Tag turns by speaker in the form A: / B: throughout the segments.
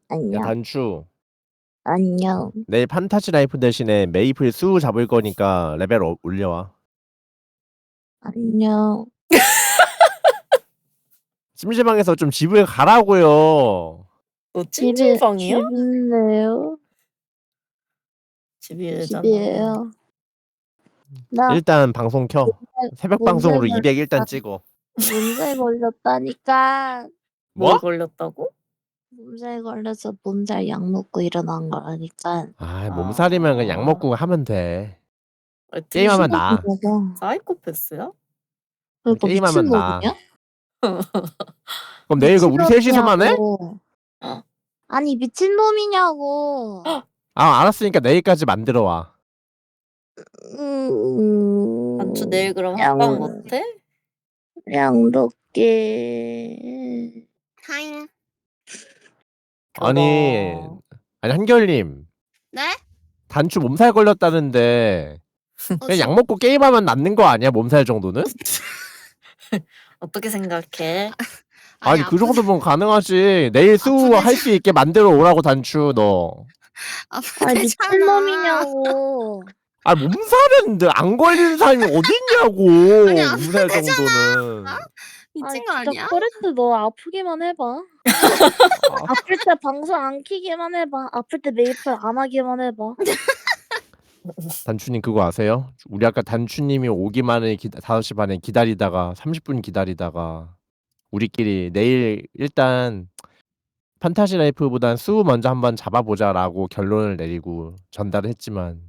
A: 야,
B: 안녕.
A: 단추.
B: 안녕.
A: 내일 판타지 라이프 대신에 메이플 수 잡을 거니까 레벨 올려와.
B: 안녕.
A: 심심방에서 좀 집을 가라고요.
C: 너 찜질방이야?
B: 집인데요?
C: 집이잖아.
B: 집이에요. 나
A: 일단 방송 켜. 새벽 방송으로 200 일단 찍어.
B: 몸살 걸렸다니까.
A: 뭐?
C: 뭘 걸렸다고?
B: 몸살 걸려서 몸살 약 먹고 일어난 거라니까.
A: 아, 몸살이면 그냥 약 먹고 하면 돼. 게임하면 나.
C: 사이코패스야?
B: 그러니까
A: 게임하면
B: 미친놈이야?
A: 그럼 내일 그 우리 셋이서만 해?
B: 아니 미친놈이냐고.
A: 아, 알았으니까 내일까지 만들어 와.
C: 단추 내일 그럼 합방 못해?
B: 양덕게.
D: 하잉.
A: 아니 한결님.
D: 네?
A: 단추 몸살 걸렸다는데 그냥 약 먹고 게임하면 낫는 거 아니야? 몸살 정도는?
C: 어떻게 생각해?
A: 아니 그 정도면 가능하지. 내일 수 할 수 있게 만들어 오라고 단추 너.
B: 아니 미친놈이냐고.
A: 아 몸살은 안 걸리는 사람이 어딨냐고.
D: 아니,
A: 몸살 정도는.
D: 미친 거
B: 진짜
D: 아니야?
B: 코레트 너 아프기만 해봐. 아플 때 방송 안 키기만 해봐. 아플 때 메이플 안 하기만 해봐.
A: 단추님 그거 아세요? 우리 아까 단추님이 오기만을 5시 반에 기다리다가 30분 기다리다가 우리끼리 내일 일단 판타지 라이프보단 수 먼저 한번 잡아보자라고 결론을 내리고 전달을 했지만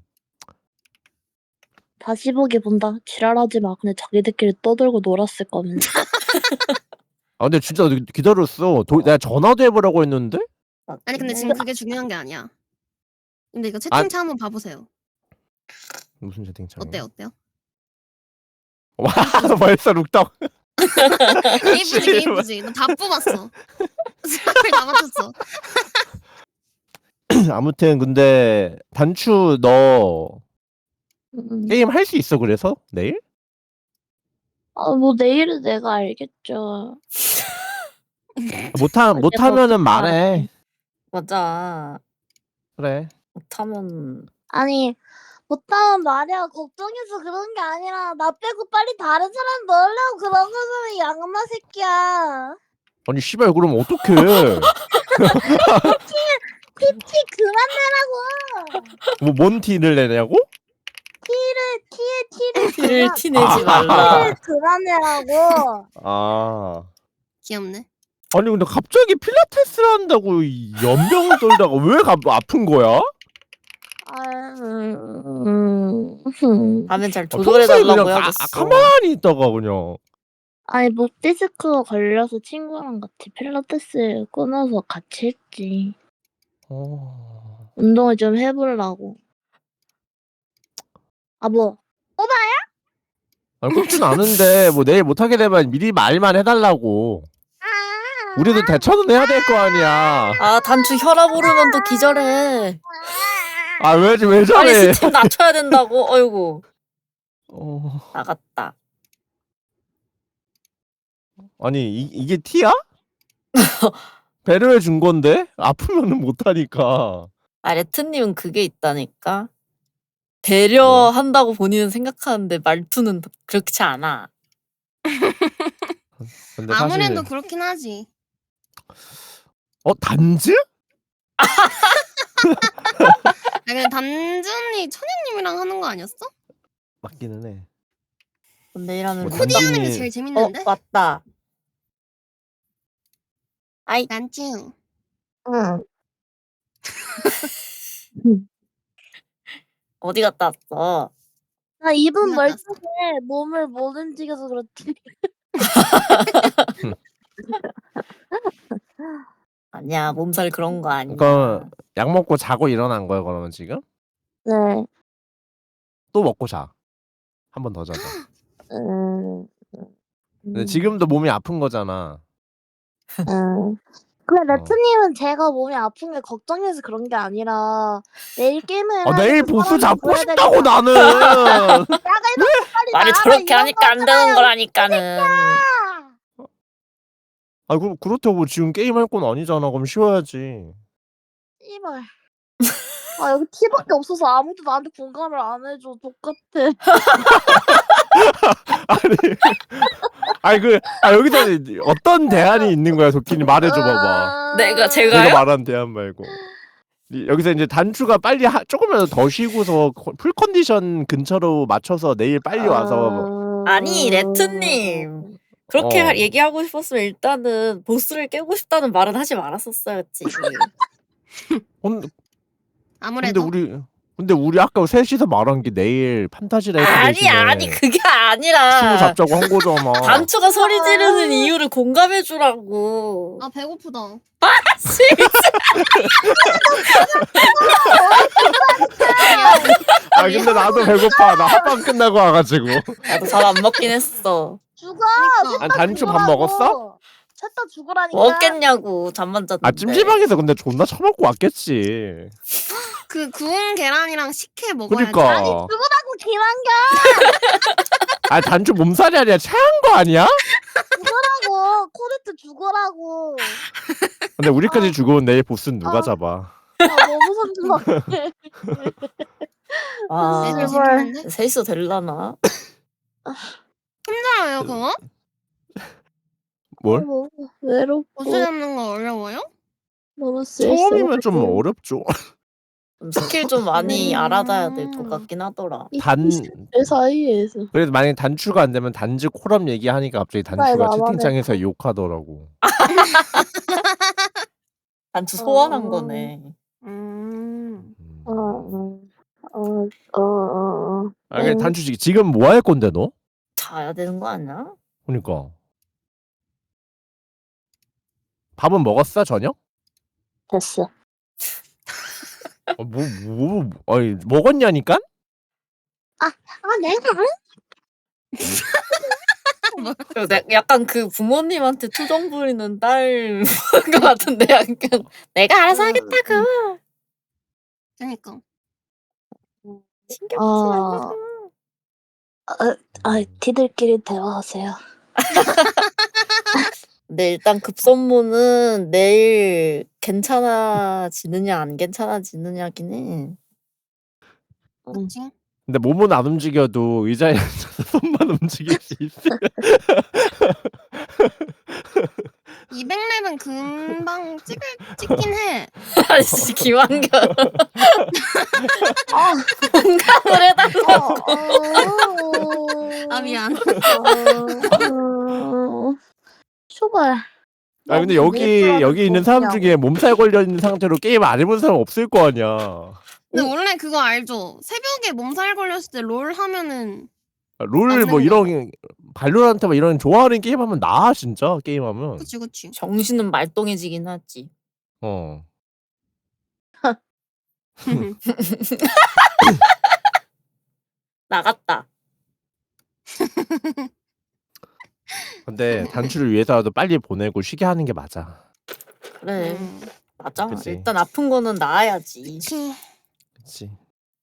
B: 다시 보기 본다. 지랄하지 마. 근데 자기들끼리 떠들고 놀았을 거면서.
A: 아 근데 진짜 기다렸어. 내가 전화도 해보라고 했는데?
D: 아니 근데 지금 그게 중요한 게 아니야. 근데 이거 채팅창 한번 봐보세요.
A: 무슨 채팅창?
D: 어때요?
A: 와 벌써 룩떡.
D: 예쁘지. 너 다 뽑았어. 사람을 다 맞췄어.
A: 아무튼 근데 단추 너 게임 할 수 있어 그래서 내일?
B: 뭐 내일은 내가 알겠죠.
A: 못하면은 말해.
C: 맞아.
A: 그래.
C: 못하면
B: 아니 못하면 말이야. 걱정해서 그런 게 아니라 나 빼고 빨리 다른 사람 넣으려고 그런 거잖아. 양마 새끼야.
A: 아니 씨발 그럼 어떡해.
B: 티 그만 내라고.
A: 뭐 뭔 티를 내냐고?
C: 티를 티내지 말라.
B: 티를 그만 내라고.
A: 아.
D: 귀엽네.
A: 아니 근데 갑자기 필라테스를 한다고 연병을 떨다가 왜 아픈 거야?
C: 하면 잘
A: 평소에
C: 조절해달라고
A: 그냥
C: 해야겠어.
A: 가만히 있다가 그냥.
B: 아니 목 디스크가 걸려서 친구랑 같이 필라테스 끊어서 같이 했지. 운동을 좀 해보려고. 뭐?
A: 아니 그렇진 않은데 뭐 내일 못하게 되면 미리 말만 해달라고. 우리도 대처는 해야 될 거 아니야.
C: 아 단추 혈압 오르면 또 기절해.
A: 아 왜
C: 빨리
A: 저래?
C: 스팀 낮춰야 된다고. 어이구. 나갔다.
A: 아니 이게 티야? 배려해 준 건데 아프면은 못하니까.
C: 아 레트님은 그게 있다니까. 배려한다고 본인은 생각하는데 말투는 그렇지 않아.
A: 근데
D: 아무래도
A: 사실
D: 그렇긴 하지.
A: 단즈?
D: 근데 단준이 천연님이랑 하는 거 아니었어?
A: 맞기는 해.
C: 근데 이라는
A: 뭐
D: 코디하는 게 제일 재밌는데?
C: 맞다. 아이
D: 단준.
B: 응.
C: 어디 갔다 왔어?
B: 나 입은
D: 끝났다.
B: 멀쩡해. 몸을 못 움직여서 그렇지.
C: 아니야 몸살 그런 거 아니야.
A: 그러니까 약 먹고 자고 일어난 거야 그러면 지금?
B: 네.
A: 또 먹고 자. 한 번 더 자자. 근데 지금도 몸이 아픈 거잖아.
B: 근데 레트님은 제가 몸이 아픈 게 걱정해서 그런 게 아니라 내일 게임을
A: 내일
B: 하면서
A: 보스
B: 사람을
A: 잡고
B: 보여야
A: 싶다고
B: 되니까.
A: 나는.
B: 빨리
C: 말이
B: 나가라,
C: 저렇게
B: 이런
C: 하니까 안 되는
B: 거잖아요.
C: 거라니까는.
A: 아 그렇다고 지금 게임 할 건 아니잖아. 그럼 쉬어야지.
B: 씨발. 아 여기 티밖에 없어서 아무도 나한테 공감을 안 해줘. 똑같아.
A: 여기서 어떤 대안이 있는 거야, 도끼니 말해줘 봐봐.
C: 제가요?
A: 내가 말한 대안 말고. 여기서 이제 단추가 빨리 조금이라도 더 쉬고서 풀 컨디션 근처로 맞춰서 내일 빨리 와서
C: 아니 레트님 그렇게
A: 어.
C: 얘기하고 싶었으면 일단은 보스를 깨고 싶다는 말은 하지 말았었어야지.
D: 아무래도
A: 근데 우리 아까 셋이서 말한 게 내일 판타지 라이프 대신에
C: 아니 그게
A: 친구
C: 아니라
A: 잡자고 한 거잖아.
C: 단추가 소리 지르는 이유를 공감해주라고.
D: 아 배고프다.
A: 근데 나도 배고파. 나 합방 끝나고 와가지고.
C: 나도 잘 안 먹긴 했어.
B: 죽어.
D: 그러니까.
A: 아니, 단추 밥 먹었어?
B: 셋 다 죽으라니까.
C: 먹겠냐고 잠만 잤는데.
A: 찜질방에서 근데 존나 처먹고 왔겠지.
D: 그 구운 계란이랑 식혜 먹어야지.
A: 그러니까.
B: 죽으라고 기만겨.
A: 단추 몸살이 아니라 체한 거 아니야?
B: 죽으라고. 코레트 죽으라고.
A: 근데 우리까지 죽으면 내일 보스는 누가 잡아?
B: 너무 선진박해.
C: 아,
D: 애들
B: 제발.
D: 재밌는데?
C: 셋이서 될라나?
D: 힘들어요 그거?
A: 뭘?
B: 외롭고
D: 보스 잡는 거 어려워요?
B: 너무 쓸쓸하고.
A: 처음이면 좀 어렵죠.
C: 좀 스킬 좀 많이 알아둬야 될 것 같긴 하더라.
B: 그 사이에서.
A: 그래서 만약에 단추가 안 되면 단지 코럼 얘기하니까 갑자기 단추가
B: 나만의-
A: 채팅창에서 욕하더라고.
C: 단추 소환한
B: 어.
C: 거네.
A: 그냥 단추 지금 뭐 할 건데 너?
C: 자야 되는 거 아니야?
A: 그러니까. 밥은 먹었어 저녁?
B: 됐어.
A: 아니 먹었냐니까?
B: 내가
C: 약간 그 부모님한테 투정 부리는 딸 것 같은데 약간 내가 알아서 하겠다고.
D: 그러니까.
C: 신경 쓰지 말고.
B: 티들끼리 대화하세요.
C: 근데 일단 급선무는 내일 괜찮아지느냐 안 괜찮아지느냐긴 해.
D: 그치?
A: 근데 몸은 안 움직여도 의자에 앉아서 손만 움직일 수 있어.
D: 200렙은 금방 찍긴 해.
C: 아씨 김한결 공감을 해달라.
D: 아 미안.
B: 쇼발.
A: 근데 여기 있는 사람 중에 몸살 걸려 있는 상태로 게임 안 해본 사람 없을 거 아니야.
D: 근데 원래 그거 알죠? 새벽에 몸살 걸렸을 때 롤 하면은
A: 롤 뭐 이런 발로란트 뭐 이런 좋아하는 게임 하면 나아 진짜 게임하면.
D: 그치.
C: 정신은 말똥해지긴 하지.
A: 어.
C: 나갔다.
A: 근데 단추를 위해서라도 빨리 보내고 쉬게 하는 게 맞아.
C: 그래 맞아.
A: 그치.
C: 일단 아픈 거는 나아야지.
D: 그치.
A: 그렇지.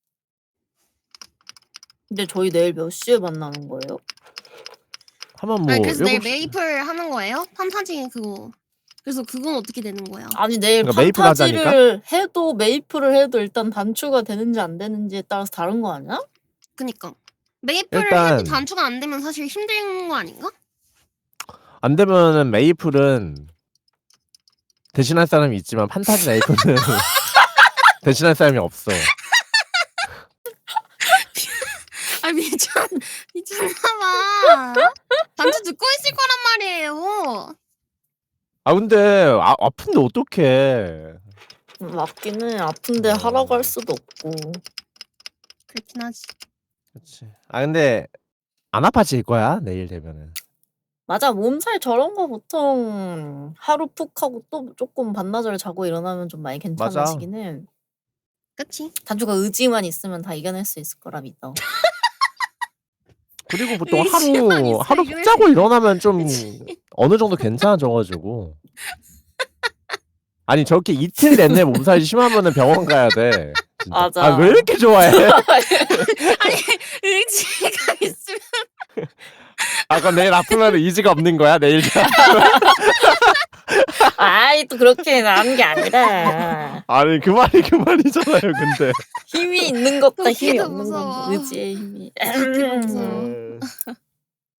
C: 근데 저희 내일 몇 시에 만나는 거예요?
A: 하면 뭐
D: 아니 그래서 내일
A: 7시
D: 메이플 하는 거예요? 판타지 그거. 그래서 그건 어떻게 되는 거야?
C: 아니 내일
A: 그러니까 메이플
C: 판타지를 해도 메이플을 해도 일단 단추가 되는지 안 되는지에 따라서 다른 거 아니야?
D: 그니까. 메이플을
A: 일단-
D: 해도 단추가 안 되면 사실 힘든 거 아닌가?
A: 안 되면은 메이플은 대신할 사람이 있지만 판타지 라이프는 대신할 사람이 없어.
D: 아 미쳤나봐. 단추 듣고 있을 거란 말이에요.
A: 근데 아픈데 어떡해.
C: 맞긴 해. 아픈데 하라고 할 수도 없고.
D: 그렇긴 하지.
A: 그렇지. 근데 안 아파질 거야 내일 되면은.
C: 맞아 몸살 저런 거 보통 하루 푹 하고 또 조금 반나절 자고 일어나면 좀 많이 괜찮아지긴 해.
D: 그치?
C: 단추가 의지만 있으면 다 이겨낼 수 있을 거라 믿어.
A: 그리고 보통
D: 의지만 있어,
A: 하루 푹
D: 이겨낼
A: 자고
D: 수
A: 일어나면 좀 어느 정도 괜찮아져가지고. 아니 저렇게 이틀 내내 몸살이 심하면은 병원 가야 돼. 진짜.
C: 맞아.
A: 왜 이렇게 좋아해?
D: 아니 의지가 있으면
A: 그럼 내일 아프면 의지가 없는 거야 내일.
C: 아이 또 그렇게 나는 게 아니라
A: 아니 그 말이잖아요. 근데
C: 힘이 있는 것과 힘이
D: 웃기도
C: 없는 건
D: 무서워.
C: 의지의 힘이.
D: 웃기도 무서워.